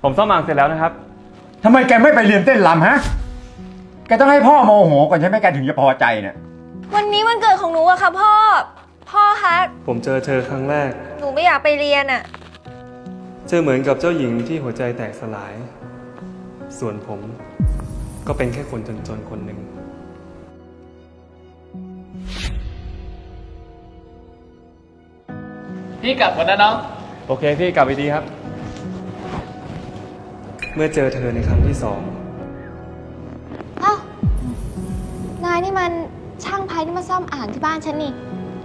ผมซ่อมอ่างเสร็จแล้วนะครับทำไมแกไม่ไปเรียนเต้นรำฮะ แกต้องให้พ่อโมโหก่อนใช่ไหมแกถึงจะพอใจเนี่ยวันนี้วันเกิดของหนูอะค่ะพ่อ พ่อคะผมเจอเธอครั้งแรกหนูไม่อยากไปเรียนอะเจอเหมือนกับเจ้าหญิงที่หัวใจแตกสลาย ส่วนผมก็เป็นแค่คนจนๆคนหนึ่งพี่กลับก่อนนะน้องโอเคพี่กลับไปดีครับ เมื่อเจอเธอในครั้งที่สองเอ้านายนี่มันช่างไพ่ที่มาซ่อมอ่างที่บ้านฉันนี่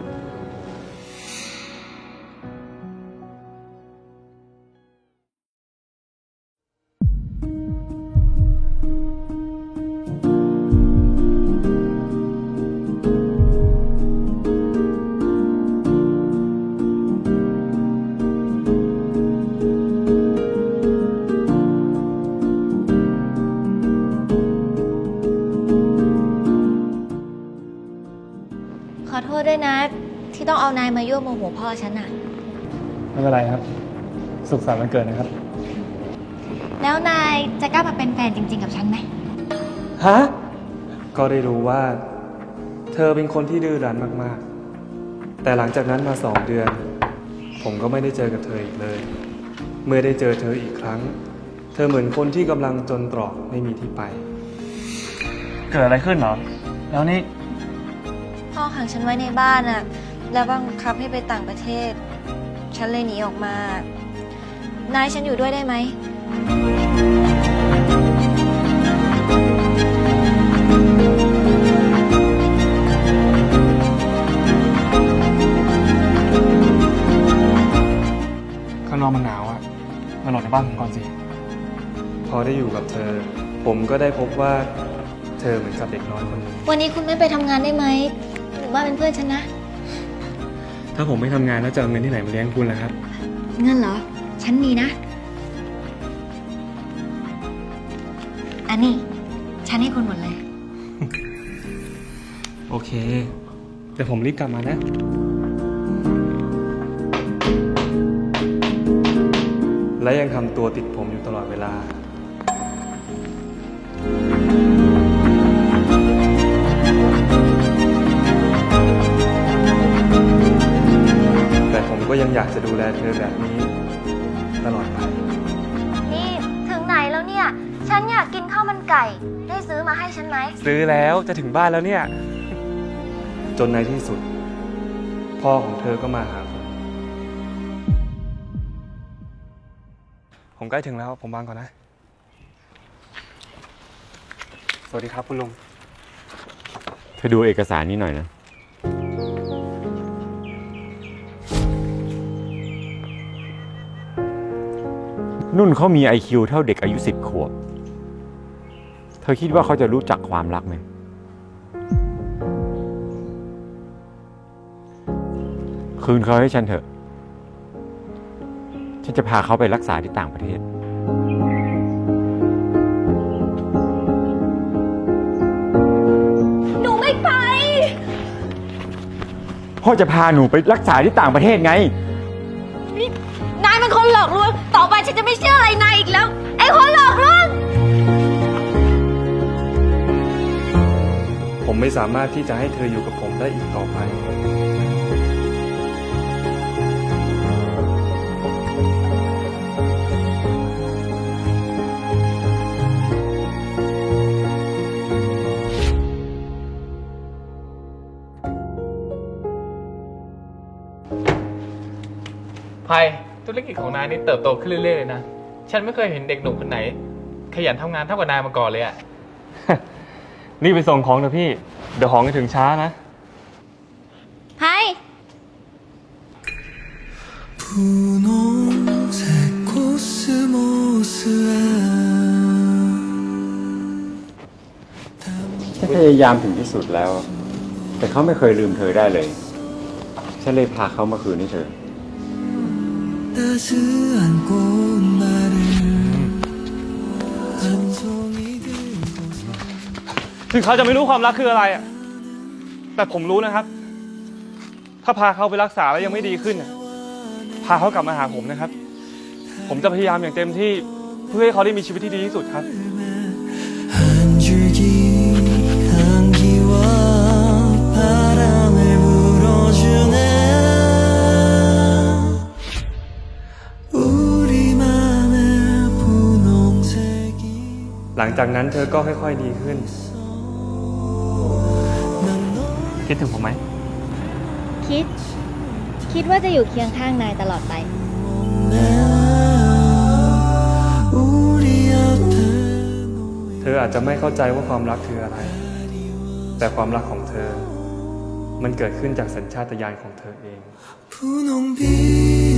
ขอโทษด้วยนะ ที่ต้องเอานายมายั่วโมโหพ่อฉันอะไม่เป็นไรครับ สุขสันต์วันเกิดนะครับแล้วนายจะกล้ามาเป็นแฟนจริงๆกับฉันไหมฮะ ก็ได้รู้ว่า เธอเป็นคนที่ดื้อรั้นมากๆ แต่หลังจากนั้นมา2 เดือน ผมก็ไม่ได้เจอกับเธออีกเลย เมื่อได้เจอเธออีกครั้ง เธอเหมือนคนที่กำลังจนตรอกไม่มีที่ไป เกิดอะไรขึ้นเหรอ แล้วนี่พ่อขังฉันไว้ในบ้านอะแล้วบังคับให้ไปต่างประเทศ ฉันเลยหนีออกมา นายฉันอยู่ด้วยได้ไหมข้างนอกมันหนาวอะมาหลบในบ้านผมก่อนสิ พอได้อยู่กับเธอ ผมก็ได้พบว่า เธอเหมือนกับเด็กน้อยคนหนึ่งวันนี้คุณไม่ไปทำงานได้ไหม หรือว่าเป็นเพื่อนฉันนะถ้าผมไม่ทำงานแล้วจะเอาเงินที่ไหนมาเลี้ยงคุณล่ะครับเงินเหรอ ฉันมีนะ อันนี้ ฉันให้คุณหมดเลยโอเค แต่ผมรีบกลับมานะ และยังทำตัวติดผมอยู่ตลอดเวลา แต่ผมก็ยังอยากจะดูแลเธอแบบนี้ ตลอดไปนี่ถึงไหนแล้วเนี่ย ฉันอยากกินข้าวมันไก่ ได้ซื้อมาให้ฉันไหมซื้อแล้วจะถึงบ้านแล้วเนี่ย จนในที่สุด พ่อของเธอก็มาหาผมใกล้ถึงแล้วผมวางก่อนนะ สวัสดีครับคุณลุงเธอดูเอกสารนี้หน่อยนะ นุ่นเขามี IQ เท่าเด็กอายุ10 ขวบ เธอคิดว่าเขาจะรู้จักความรักไหม คืนเขาให้ฉันเถอะ ฉันจะพาเขาไปรักษาที่ต่างประเทศหนูไม่ไปพ่อจะพาหนูไปรักษาที่ต่างประเทศไงนายเป็นคนหลอกลวง ต่อไปฉันจะไม่เชื่ออะไรนายอีกแล้ว ไอ้คนหลอกลวงผมไม่สามารถที่จะให้เธออยู่กับผมได้อีกต่อไปไพธุรกิจของนายนี่เติบโตขึ้นเรื่อยๆเลยนะ ฉันไม่เคยเห็นเด็กหนุ่มคนไหน ขยันทำงานเท่ากับนายมาก่อนเลยอะนี่ไปส่งของเถอะพี่ เดี๋ยวของจะถึงช้านะไพ 분홍색 코스모스와 ฉันพยายามถึงที่สุดแล้ว แต่เขาไม่เคยลืมเธอได้เลย ฉันเลยพาเขามาคืนให้เธอ 따스한 꽃말을 한 송이 들고 ถึงเขาจะไม่รู้ความรักคืออะไรอะแต่ผมรู้นะครับ ถ้าพาเขาไปรักษาแล้วยังไม่ดีขึ้นอะพาเขากลับมาหาผมนะครับ ผมจะพยายามอย่างเต็มที่เพื่อให้เขาได้มีชีวิตที่ดีที่สุดครับ 한 줄기 향기와 바람을 불어주네 우리만의 분홍색이 หลังจากนั้นเธอก็ค่อยๆดีขึ้น 난 너 คิดถึงผมไหมคิดว่าจะอยู่เคียงข้างนายตลอดไป 없네 우리 앞에 เธออาจจะไม่เข้าใจว่าความรักคืออะไร แต่ความรักของเธอ มันเกิดขึ้นจากสัญชาตญาณของเธอเอง 분홍 빛